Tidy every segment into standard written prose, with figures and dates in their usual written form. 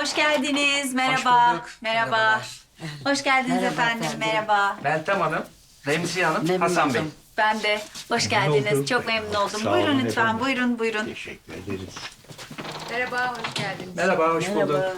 Hoş geldiniz. Merhaba. bulduk. Merhaba. Merhabalar. Hoş geldiniz Merhaba efendim. efendim. Merhaba. Meltem Hanım, Remziye Hanım, Memnun Hasan Bey. oldum. Ben de. Hoş geldiniz. oldum. Çok memnun oldum. Sağ Buyurun olun lütfen. efendim. Buyurun, buyurun. Teşekkür ederiz. Merhaba, hoş geldiniz. Merhaba, hoş bulduk. Merhaba.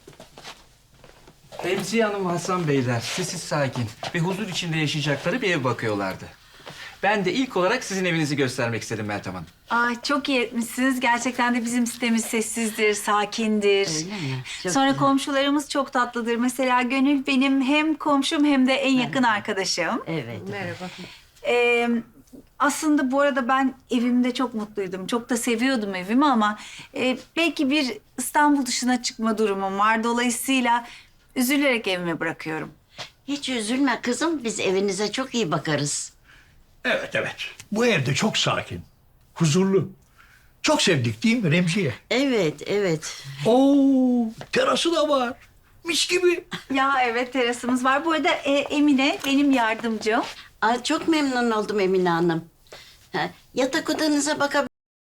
Remziye Hanım ve Hasan Beyler sessiz sakin ve huzur içinde yaşayacakları bir ev bakıyorlardı. Ben de ilk olarak sizin evinizi göstermek istedim Meltem Hanım. Ay çok iyi etmişsiniz. Gerçekten de bizim sitemiz sessizdir, sakindir. Öyle mi? Çok Sonra güzel. komşularımız çok tatlıdır. Mesela Gönül benim hem komşum hem de en yakın arkadaşım. Evet. Merhaba. Aslında bu arada ben evimde çok mutluydum. Çok da seviyordum evimi ama belki bir İstanbul dışına çıkma durumum var. Dolayısıyla üzülerek evimi bırakıyorum. Hiç üzülme kızım. Biz evinize çok iyi bakarız. Evet, evet. Bu evde çok sakin, huzurlu. Çok sevdik değil mi Remziye? Evet, evet. Oo, terası da var. Mis gibi. Ya evet terasımız var. Bu arada Emine benim yardımcım. Aa, çok memnun oldum Emine Hanım. Ha, yatak odanıza bakabilir.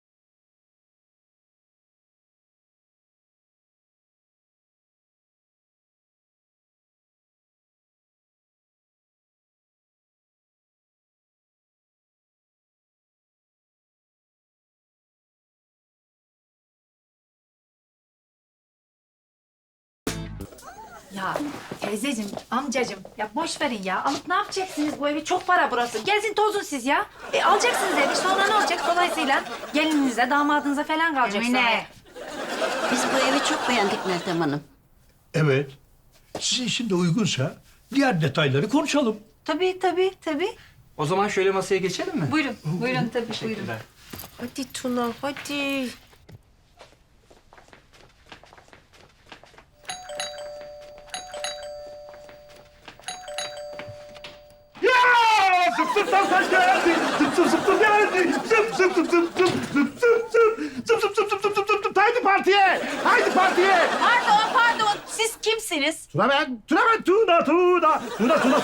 Ya teyzeciğim, amcacığım ya boş verin ya. Alıp ne yapacaksınız bu evi? Çok para burası. Gezin tozun siz ya. Alacaksınız evi sonra ne olacak? Dolayısıyla gelininize, damadınıza falan kalacak sonra. Emine. Biz bu evi çok beğendik Meltem Hanım. Evet. Sizin için de uygunsa diğer detayları konuşalım. Tabii tabii tabii. O zaman şöyle masaya geçelim mi? Buyurun. Buyurun tabii buyurun. Teşekkürler. Hadi Tuna, hadi. Ya! Zıp zıp zıp geldi. Zıp zıp zıp zıp geldi. Zıp zıp zıp zıp zıp zıp zıp zıp. Zıp zıp zıp zıp zıp zıp zıp zıp. Haydi partiye. Haydi partiye. Pardon pardon. Siz kimsiniz? Tuna ben. Tuna ben. Tuna Tuna. Tuna Tuna.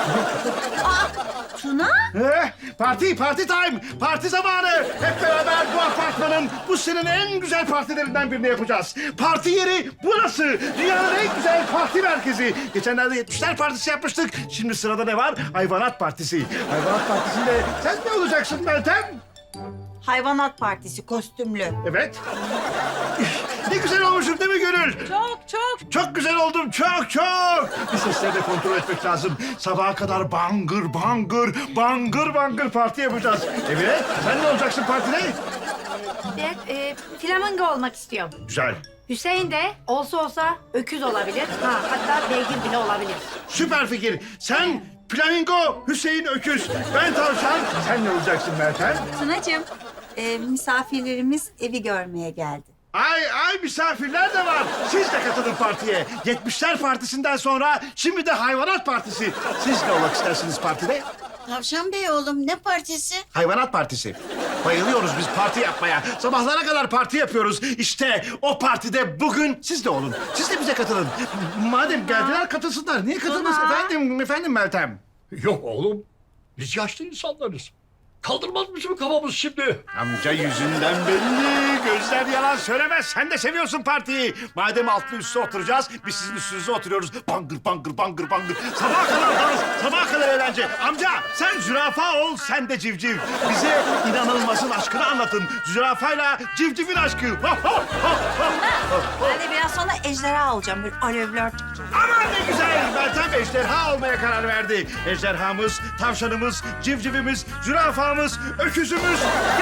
Tuna? Parti time. Parti zamanı. Hep beraber bu apartmanın bu senenin en güzel partilerinden birini yapacağız. Parti yeri burası. Dünyanın en güzel parti merkezi. Geçenlerde 70'ler partisi yapmıştık. Şimdi sırada ne var? Hayvanat partisi. Hayvanat partisinde sen ne olacaksın Meltem? Hayvanat Partisi kostümlü. Evet. Ne güzel olmuşum değil mi Gönül? Çok çok. Çok güzel oldum, çok çok. Bir sesleri de kontrol etmek lazım. Sabaha kadar bangır bangır, bangır bangır parti yapacağız. Evet, sen ne olacaksın partide? Ben flamingo olmak istiyorum. Güzel. Hüseyin de olsa öküz olabilir. Ha, hatta beygir bile olabilir. Süper fikir. Sen flamingo, Hüseyin öküz. Ben tavşan. Sen ne olacaksın Meltem? Tunacığım, misafirlerimiz evi görmeye geldi. Ay misafirler de var. Siz de katılın partiye. 70'ler partisinden sonra şimdi de hayvanat partisi. Siz ne olmak istersiniz partide? Tavşan Bey oğlum ne partisi? Hayvanat partisi. Bayılıyoruz biz parti yapmaya. Sabahlara kadar parti yapıyoruz. İşte o partide bugün siz de olun. Siz de bize katılın. Madem geldiler katılsınlar. Niye katılmasın efendim Meltem? Yok oğlum. Biz yaşlı insanlarız. Kaldırmaz bizim kafamız şimdi. Amca yüzünden belli. Gözler yalan söylemez. Sen de seviyorsun partiyi. Madem altlı üstü oturacağız, biz sizin üstünüze oturuyoruz. Bangır bangır bangır bangır. Sabaha kadar dans, sabaha kadar eğlence. Amca sen zürafa ol, sen de civciv. Bize inanılmazın aşkını anlatın. Zürafayla civcivin aşkı. Ben de biraz sonra ejderha olacağım. Böyle alevler. Aman ne güzel. Meltem ejderha olmaya karar verdi. Ejderhamız, tavşanımız, civcivimiz, zürafamız, öküzümüz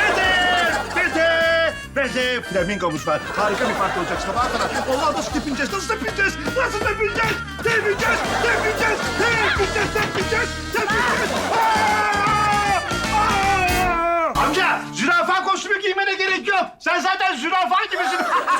ve de flamingomuz var. Harika bir parti olacak sabaha kadar. Allah nasıl tepineceğiz, nasıl tepineceğiz, nasıl tepineceğiz, tepineceğiz, tepineceğiz, tepineceğiz, tepineceğiz, tepineceğiz. Amca, zürafa kostümü giymene gerek yok. Sen zaten zürafa gibisin.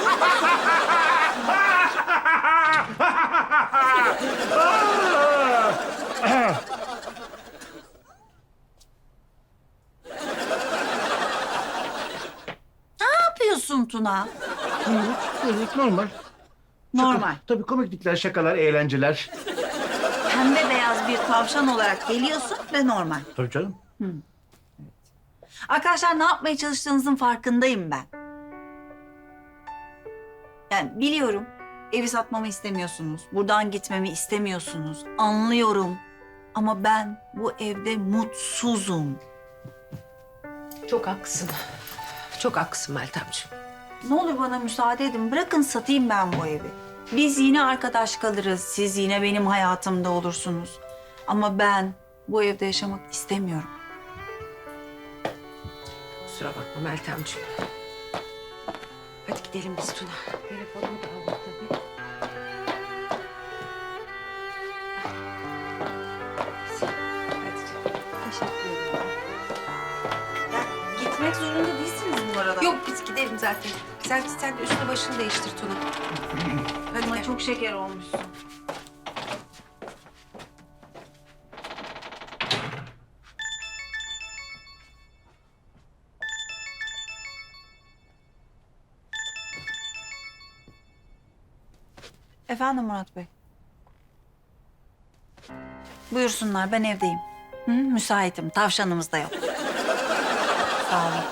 Ne yapıyorsun Tuna? Evet, normal. Normal. Tabii komiklikler, şakalar, eğlenceler. Pembe beyaz bir tavşan olarak geliyorsun ve normal. Tabii canım. Arkadaşlar ne yapmaya çalıştığınızın farkındayım ben. Yani biliyorum Evi satmamı istemiyorsunuz. Buradan gitmemi istemiyorsunuz. Anlıyorum. Ama ben bu evde mutsuzum. Çok haklısın. Çok haklısın Meltemciğim. Ne olur bana müsaade edin. Bırakın satayım ben bu evi. Biz yine arkadaş kalırız. Siz yine benim hayatımda olursunuz. Ama ben bu evde yaşamak istemiyorum. Kusura bakma Meltemciğim. Hadi gidelim biz Tuna. Telefonumu da aldık tabii. Hadi canım. Teşekkür ederim. Ya, gitmek zorunda değilsiniz bu arada. Yok biz gidelim zaten. Sen de üstünü başını değiştir Tuna. Hadi Ama gel. çok şeker olmuşsun. Efendim Murat Bey. Buyursunlar, ben evdeyim. Hı, müsaitim, tavşanımız da yok. Sağ olun.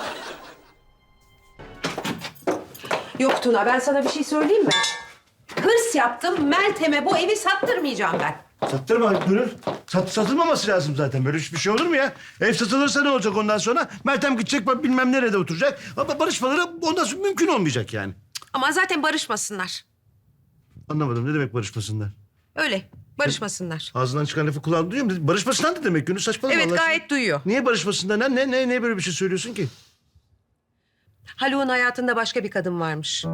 Yok Tuna ben sana bir şey söyleyeyim mi? Hırs yaptım Meltem'e bu evi sattırmayacağım ben. Sattırma Gönül. Satılmaması lazım zaten. Böyle bir şey olur mu ya? Ev satılırsa ne olacak ondan sonra? Meltem gidecek bilmem nerede oturacak. Ama barışmaları ondan sonra mümkün olmayacak yani. Ama zaten barışmasınlar. Anlamadım ne demek barışmasınlar? Öyle barışmasınlar. Ağzından çıkan lafı kulağım duyuyor mu? Barışmasınlar ne demek Gönül? Saçmalama Evet Allah aşkına. gayet duyuyor. Niye barışmasınlar? Ne böyle bir şey söylüyorsun ki? Haluk'un hayatında başka bir kadın varmış.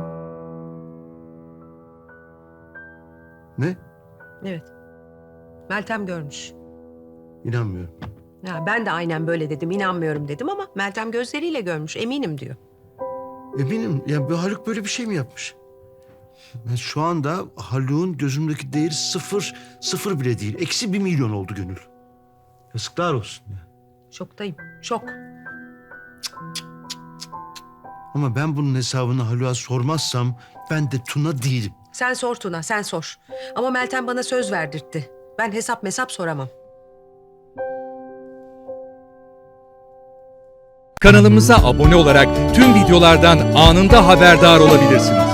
Ne? Evet. Meltem görmüş. İnanmıyorum. Ya ben de aynen böyle dedim, inanmıyorum dedim ama Meltem gözleriyle görmüş, eminim diyor. Eminim. Ya bu Haluk böyle bir şey mi yapmış? Ben şu anda Haluk'un gözümdeki değeri sıfır bile değil. Eksi 1 milyon oldu Gönül. Yazıklar olsun ya. Şoktayım, şok. Ama ben bunun hesabını Haluk'a sormazsam ben de Tuna değilim. Sen sor Tuna, sen sor. Ama Meltem bana söz verdirtti. Ben hesap soramam. Kanalımıza abone olarak tüm videolardan anında haberdar olabilirsiniz.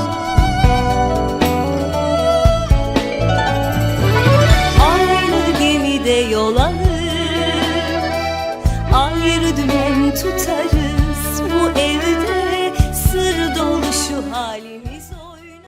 Aynı gemide yol alır, ayrı dümen tutarız.